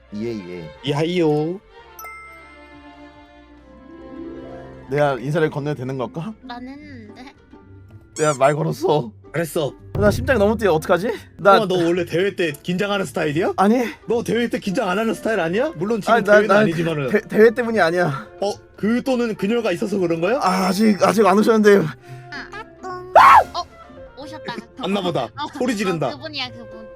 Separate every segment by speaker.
Speaker 1: 예.
Speaker 2: 이하이요.
Speaker 1: 내가 인사를 건네도 되는 걸까?
Speaker 3: 난 했는데.
Speaker 1: 내가 말 걸었어.
Speaker 2: 잘했어.
Speaker 1: 나 심장이 너무 뛰어. 어떡하지? 나
Speaker 2: 너 원래 대회 때 긴장하는 스타일이야?
Speaker 1: 아니
Speaker 2: 너 대회 때 긴장 안 하는 스타일 아니야? 물론 지금
Speaker 1: 아니,
Speaker 2: 대회는
Speaker 1: 나
Speaker 2: 아니지만은.
Speaker 1: 대회 때문이 아니야.
Speaker 2: 그 또는 그녀가 있어서 그런 거야?
Speaker 1: 아직 안 오셨는데.
Speaker 3: 오셨다.
Speaker 2: 안나보다. 소리 지른다.
Speaker 3: 그분이야 그분.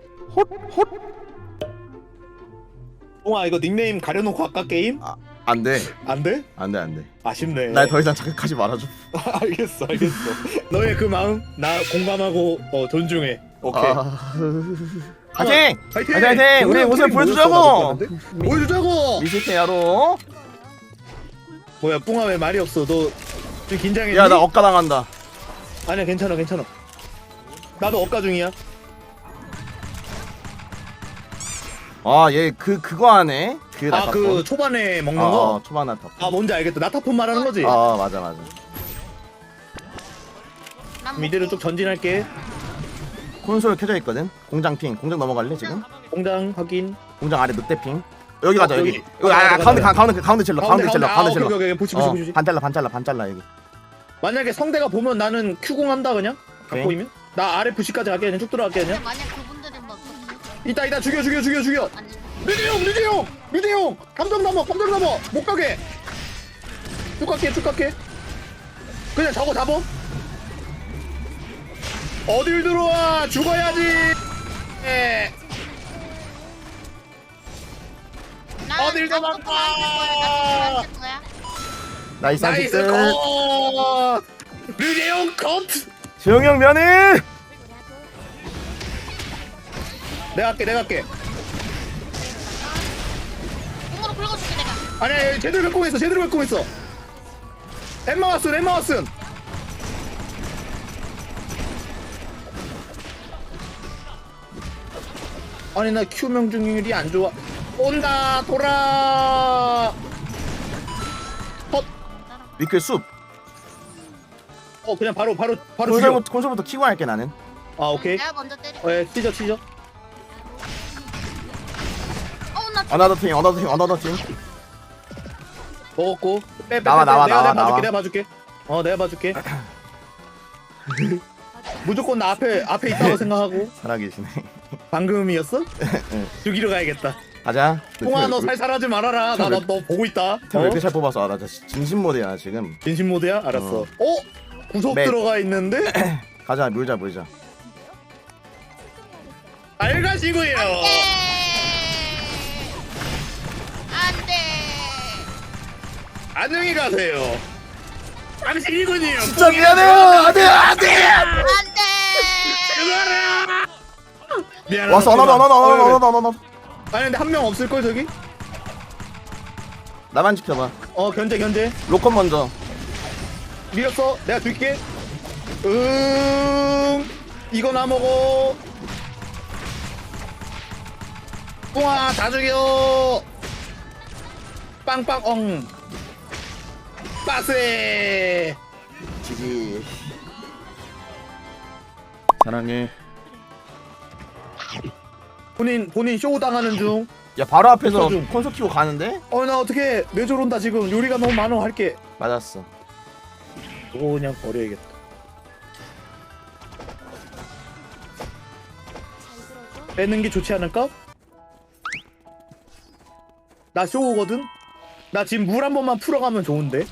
Speaker 2: 뽕아 이거 닉네임 가려놓고 할까 게임?
Speaker 1: 안 돼.
Speaker 2: 안 돼?
Speaker 1: 안 돼.
Speaker 2: 아쉽네.
Speaker 1: 날 더 이상 자극하지 말아줘.
Speaker 2: 알겠어. 너의 그 마음 나 공감하고 존중해. 오케이.
Speaker 1: 파이팅!
Speaker 2: 파이팅!
Speaker 1: 파이팅! 우리 모습 보여주자고!
Speaker 2: 보여주자고!
Speaker 1: 미스테야로.
Speaker 2: 뭐야 뿡아 왜 말이 없어? 너 지금 긴장했니?
Speaker 1: 야, 나 억까 당한다.
Speaker 2: 아니야 괜찮아. 나도 억가 중이야.
Speaker 1: 얘 그거 하네. 그 나타폰.
Speaker 2: 그 초반에 먹는 거?
Speaker 1: 초반 나타폰.
Speaker 2: 뭔지 알겠다. 나타폰 말하는 거지?
Speaker 1: 맞아.
Speaker 3: 난
Speaker 2: 미드를
Speaker 3: 먹고.
Speaker 2: 쭉 전진할게.
Speaker 1: 콘솔 켜져 있거든. 공장 핑. 공장 넘어갈래 지금?
Speaker 2: 공장 확인.
Speaker 1: 공장 아래 늑대 핑. 여기 가자 여기.
Speaker 2: 여기.
Speaker 1: 가운데 찔러.
Speaker 2: 오케이. 보시.
Speaker 1: 반 잘라 여기.
Speaker 2: 만약에 성대가 보면 나는 Q공 한다 그냥? 다
Speaker 1: 오케이.
Speaker 2: 보이면? 나 아래 부시까지 갈게 그냥 쭉 들어갈게 그냥.
Speaker 3: 만약 그분들은 뭐
Speaker 2: 이따 죽여.
Speaker 3: 아니.
Speaker 2: 류대용 감정 넘어 못 가게. 쭉 갈게. 그냥 저거 잡어. 어딜 들어와 죽어야지. 어딜 도망가.
Speaker 1: 나이스
Speaker 2: 나이스
Speaker 1: 한식들.
Speaker 2: 컷. 류대용 컷.
Speaker 1: 재영이 형 면회.
Speaker 2: 내가 할게.
Speaker 3: 공으로 긁어줄게 내가.
Speaker 2: 아니 제대로 뵙공했어. 엠마 왓슨. 아니 나 Q 명중률이 안 좋아. 온다 돌아.
Speaker 1: 미클 숲.
Speaker 2: 그냥 바로 죽여.
Speaker 1: 콘솔부터 키고 할게 나는.
Speaker 2: 오케이.
Speaker 3: 내가 먼저 때려.
Speaker 2: 치죠.
Speaker 3: 나
Speaker 1: 어나더 팀.
Speaker 2: 먹었고. 빼.
Speaker 1: 나와.
Speaker 2: 내가 봐줄게. 내가 봐줄게. 무조건 나 앞에 있다고 생각하고.
Speaker 1: 살아계시네.
Speaker 2: 방금이었어? 죽이러 가야겠다.
Speaker 1: 가자.
Speaker 2: 통아 너 살살하지 말아라. 나 너 보고 있다.
Speaker 1: 왜 이렇게 잘 뽑았어? 나 진짜 진심 모드야 지금.
Speaker 2: 진심 모드야? 알았어. 구속
Speaker 1: 맵.
Speaker 2: 들어가 있는데?
Speaker 1: 가자 물자.
Speaker 2: 알가시고요.
Speaker 3: 안돼.
Speaker 2: 안녕히 가세요. 당신이군요.
Speaker 1: 진짜 미안해요. 안돼.
Speaker 3: 안돼.
Speaker 2: 죽어라. 미안하다.
Speaker 1: 왔어. 어나더.
Speaker 2: 아니 근데 한 명 없을 걸 저기?
Speaker 1: 나만 지켜봐.
Speaker 2: 견제.
Speaker 1: 로컨 먼저.
Speaker 2: 밀었어. 내가 줄게. 이거 나 먹어. 뿡아 다 죽여. 빵빵 빠세.
Speaker 1: 지지. 사랑해.
Speaker 2: 본인 쇼 당하는 중.
Speaker 1: 야 바로 앞에서
Speaker 2: 좀.
Speaker 1: 콘솔 키고 가는데?
Speaker 2: 나 어떻게 뇌절 온다 지금. 요리가 너무 많아. 할게.
Speaker 1: 맞았어.
Speaker 2: 이거 그냥 버려야겠다. 빼는 게 좋지 않을까? 나 쇼거든? 나 지금 물 한 번만 풀어가면 좋은데?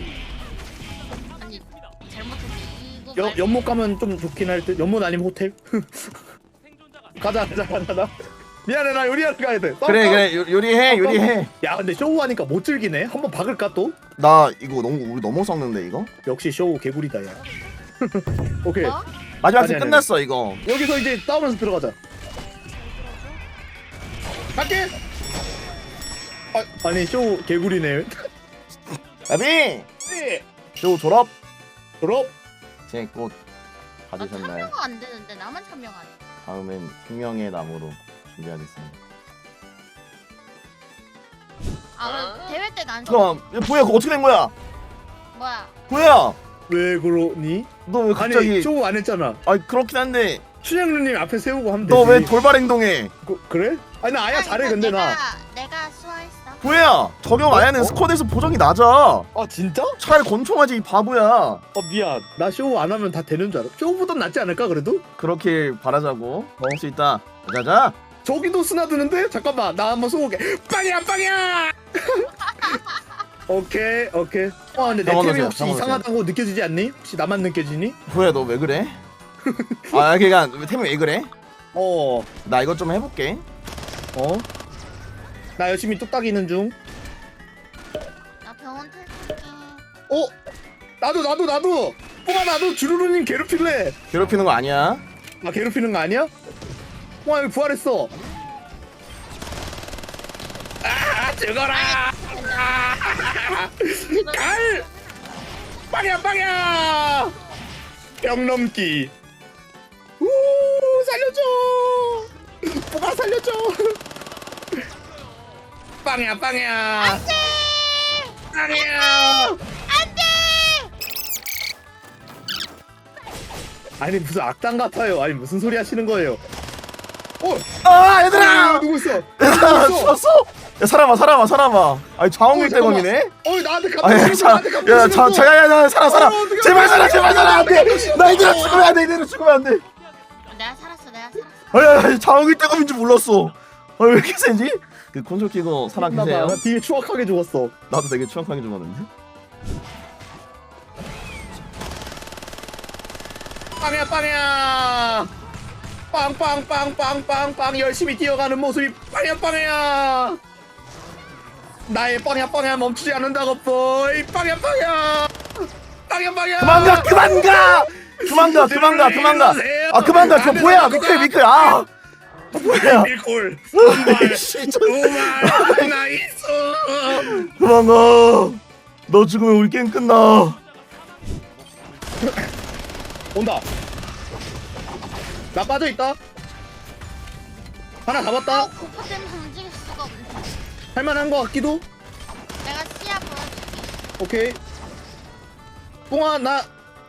Speaker 3: 아니 잘못했어. 이거
Speaker 2: 연못 가면 좀 좋긴 할 듯. 연못 아니면 호텔? 가자. 미안해 나 요리하러 가야 돼.
Speaker 1: 그래 요리해.
Speaker 2: 야 근데 쇼 하니까 못 즐기네. 한번 박을까 또?
Speaker 1: 나 이거 우리 너무 썩는데 이거?
Speaker 2: 역시 쇼 개구리다 야. 오케이.
Speaker 1: 마지막
Speaker 2: 아니,
Speaker 1: 스
Speaker 2: 아니,
Speaker 1: 끝났어 이거.
Speaker 2: 여기서 이제 싸우면서 들어가자. 갈게. 아니 쇼 개구리네.
Speaker 1: 나비.
Speaker 2: 네.
Speaker 1: 쇼 졸업.
Speaker 2: 제
Speaker 1: 꽃
Speaker 3: 나
Speaker 1: 받으셨나요?
Speaker 3: 참여가 안 되는데 나만 참여가 안 돼.
Speaker 1: 다음엔 생명의 나무로 준비하겠습니다.
Speaker 3: 그럼 대회 때는 안
Speaker 1: 그럼 보야 그거 어떻게 된 거야?
Speaker 3: 뭐야?
Speaker 1: 보야
Speaker 2: 왜 그러니?
Speaker 1: 너 왜 갑자기?
Speaker 2: 아니 쇼 안 했잖아.
Speaker 1: 아니 그렇긴 한데
Speaker 2: 춘향루님 앞에 세우고 하면 되지.
Speaker 1: 너 왜 돌발 행동해?
Speaker 2: 그래? 아니 나 아야 잘해 근데 나.
Speaker 3: 내가
Speaker 1: 뭐야? 적용 안 하는 스쿼드에서 보정이 낮아.
Speaker 2: 아 진짜?
Speaker 1: 차라리 권총하지 이 바보야.
Speaker 2: 미안. 나 쇼 안 하면 다 되는 줄 알아. 쇼보단 낫지 않을까 그래도?
Speaker 1: 그렇게 바라자고. 먹을 수 있다. 자자.
Speaker 2: 저기도 스나드는데? 잠깐만 나 한번 쏘고 올게. 빵이야 빵이야. 오케이. 근데 내
Speaker 1: 병원
Speaker 2: 템이
Speaker 1: 오세요,
Speaker 2: 혹시
Speaker 1: 병원
Speaker 2: 이상하다고 느껴지지 않니? 혹시 나만 느껴지니?
Speaker 1: 뭐야 너 왜 그래? 아 그니까 템이 왜 그래?
Speaker 2: 어.
Speaker 1: 나 이것 좀 해볼게.
Speaker 2: 나 열심히 뚝딱이는 중.
Speaker 3: 나 병원 탈출게.
Speaker 2: 나도. 뽕아 나도 주루루님 괴롭힐래.
Speaker 1: 괴롭히는 거 아니야.
Speaker 2: 아 괴롭히는 거 아니야? 뽕아 여기 부활했어. 아 죽어라. 갈. 빵이야. 병 넘기. 우 살려줘. 뽕아 살려줘. 빵이야.
Speaker 3: 안돼.
Speaker 2: 빵이야.
Speaker 3: 안돼.
Speaker 2: 아니 무슨 악당 같아요. 아니 무슨 소리 하시는 거예요?
Speaker 1: 아 얘들아!
Speaker 2: 누구 있어?
Speaker 1: 얘들아 죽었어? 야 살아봐. 아니 자원길 때문이네.
Speaker 2: 나한테
Speaker 1: 아니 야야 살아. 제발 살아 안돼. 나 이대로 죽으면 안 돼.
Speaker 3: 내가 살았어.
Speaker 1: 아니 자원길 때문인 줄 몰랐어. 왜 이렇게 세지? 그 콘솔 끼고 살아 계세요.
Speaker 2: 나 되게 추악하게 죽었어.
Speaker 1: 나도 되게 추악하게 죽었는데.
Speaker 2: 빵이야. 빵 열심히 뛰어가는 모습이 빵이야. 나의 빵이야 멈추지 않는다고 보이. 빵이야.
Speaker 1: 그만 가. 아 그만 가. 저 뭐야 미클. 아 뭐야.
Speaker 2: 밀골.
Speaker 1: 씨,
Speaker 2: 두말 나이스.
Speaker 1: 그만 가. 너 죽으면 우리 게임 끝나.
Speaker 2: 온다. 나 빠져있다. 하나 잡았다.
Speaker 3: 고파 때문에 움직일 수가 없네.
Speaker 2: 할만한 거 같기도.
Speaker 3: 내가 시야 보여줄게.
Speaker 2: 오케이. 뽕아 나.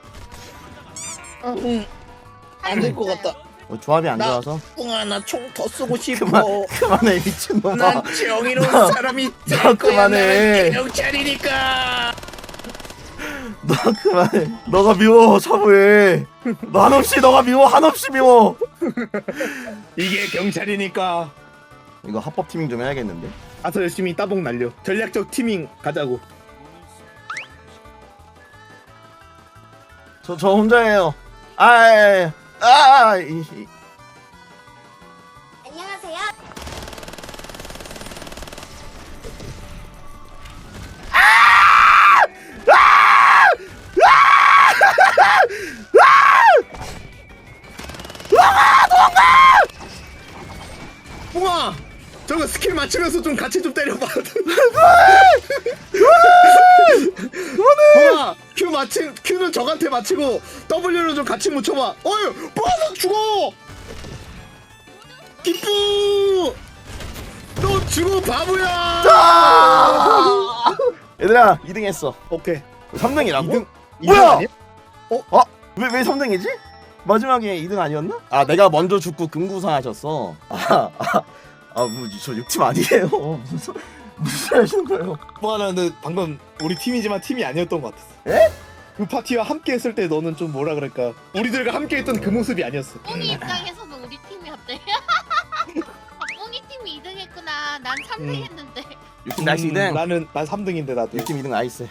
Speaker 2: 안 될 것 같다.
Speaker 1: 조합이 안
Speaker 2: 나-
Speaker 1: 좋아서.
Speaker 2: 뽕아 나 총 더 쏘고 싶어.
Speaker 1: 그만해 미친놈아.
Speaker 2: 난 정의로운 사람이 될
Speaker 1: 너
Speaker 2: 거야.
Speaker 1: 그만해.
Speaker 2: 난 경찰이니까.
Speaker 1: 너 그만해. 너가 미워 사부해. 너 한없이 너가 미워 한없이 미워.
Speaker 2: 이게 경찰이니까.
Speaker 1: 이거 합법 티밍 좀 해야겠는데.
Speaker 2: 가서 열심히 따봉 날려. 전략적 티밍 가자고.
Speaker 1: 저 혼자예요.
Speaker 3: 안녕하세요.
Speaker 2: 뽕아 저거 스킬 맞추면서 좀 같이 좀 때려봐. 뽕아 Q는 적한테 맞추고 W는 좀 같이 묻혀봐. 어휴 뽕아 너 죽어. 기쁘 너 죽어 바보야.
Speaker 1: 얘들아 2등 했어.
Speaker 2: 오케이
Speaker 1: 3등이라고?
Speaker 2: 이등
Speaker 1: 뭐야?
Speaker 2: 아니야?
Speaker 1: 왜 3등이지? 마지막에 2등 아니었나? 아 내가 먼저 죽고 금구사 하셨어. 저 6팀 아니에요. 무슨 소리 하시는 거예요?
Speaker 2: 뽕아 나 근데 방금 우리 팀이지만 팀이 아니었던 것 같았어.
Speaker 1: 에?
Speaker 2: 그 파티와 함께 했을 때 너는 좀 뭐라 그럴까 우리들과 함께 했던 그 모습이 아니었어.
Speaker 3: 뽕이 입장에서는 우리 팀이었대. 뽕이 팀이 2등 했구나. 난 3등 했는데.
Speaker 1: 6팀 나이스 2등.
Speaker 2: 난 3등인데 나도.
Speaker 1: 6팀 2등 나이스.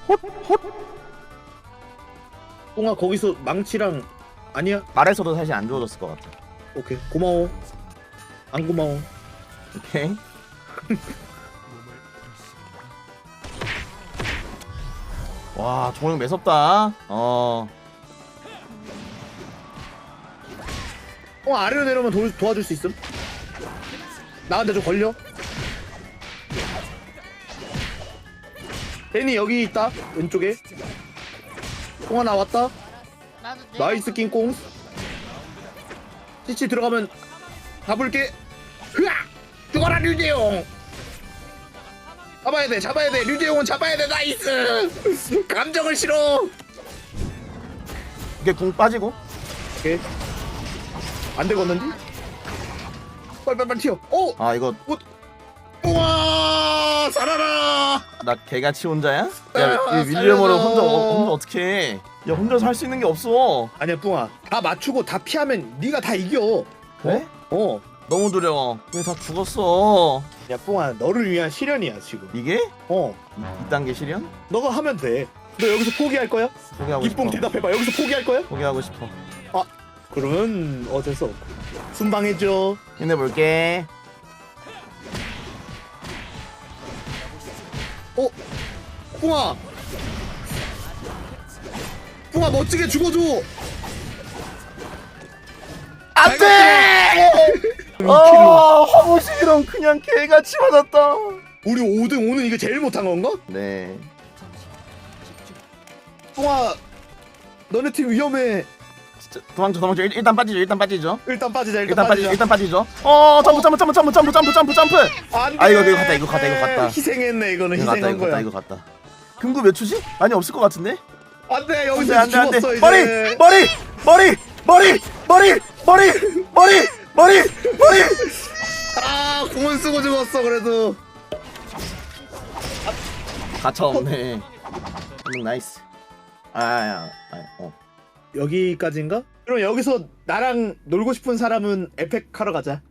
Speaker 2: 뽕아 거기서 망치랑 아니야?
Speaker 1: 말에서도 사실 안 좋아졌을 것 같아.
Speaker 2: 오케이 고마워. 안 고마워.
Speaker 1: 오케이. 와 종영 매섭다.
Speaker 2: 아래로 내려오면 도와줄 수 있음? 나한테 좀 걸려. 애니 여기 있다 왼쪽에. 뽕아 나왔다.
Speaker 3: 나도
Speaker 2: 나이스 킹콩. CC 들어가면 잡을게. 흐아! 죽어라 류재용. 잡아야 돼 류재용은 잡아야 돼. 나이스. 감정을 실어.
Speaker 1: 이게 공 빠지고.
Speaker 2: 오케이 안 되겠는데? 빨리 튀어.
Speaker 1: 아 이거
Speaker 2: 우와 살아라.
Speaker 1: 나 개같이 혼자야?
Speaker 2: 아,
Speaker 1: 야 이 윌리엄으로
Speaker 2: 살려줘.
Speaker 1: 혼자 어떻게 해? 야 혼자서 할 수 있는 게 없어.
Speaker 2: 아니야 뿡아, 다 맞추고 다 피하면 네가 다 이겨.
Speaker 1: 그래?
Speaker 2: 어.
Speaker 1: 너무 두려워. 왜 다 죽었어?
Speaker 2: 야 뿡아, 너를 위한 시련이야 지금.
Speaker 1: 이게?
Speaker 2: 어.
Speaker 1: 2단계 실현?
Speaker 2: 너가 하면 돼. 너 여기서 포기할 거야?
Speaker 1: 포기하고 싶어.
Speaker 2: 이뽕 대답해봐. 여기서 포기할 거야?
Speaker 1: 포기하고 싶어.
Speaker 2: 그러면 어쩔 수 없고 순방해줘.
Speaker 1: 힘내볼게.
Speaker 2: 뿡아, 뿡아 멋지게 죽어줘.
Speaker 1: 안돼! 화보식이랑 그냥 개같이 맞았다.
Speaker 2: 우리 5등 오늘 이거 제일 못한 건가?
Speaker 1: 네.
Speaker 2: 뿡아, 너네 팀 위험해.
Speaker 1: 진짜 도망쳐. 일단 빠지죠.
Speaker 2: 일단 빠지자.
Speaker 1: 일단 빠지죠. 점프.
Speaker 2: 안 돼.
Speaker 1: 아, 이거 갔다.
Speaker 2: 희생했네. 이거는
Speaker 1: 이거
Speaker 2: 희생한
Speaker 1: 이거
Speaker 2: 거야.
Speaker 1: 갔다. 금구 몇 초지? 많이 없을 것 같은데?
Speaker 2: 안돼, 여기서
Speaker 1: 안 돼.
Speaker 2: 죽었어 이제.
Speaker 1: 머리.
Speaker 2: 아, 공은 쓰고 죽었어 그래도.
Speaker 1: 가차 없네. 나이스.
Speaker 2: 여기까지인가? 그럼 여기서 나랑 놀고 싶은 사람은 에펙 하러 가자.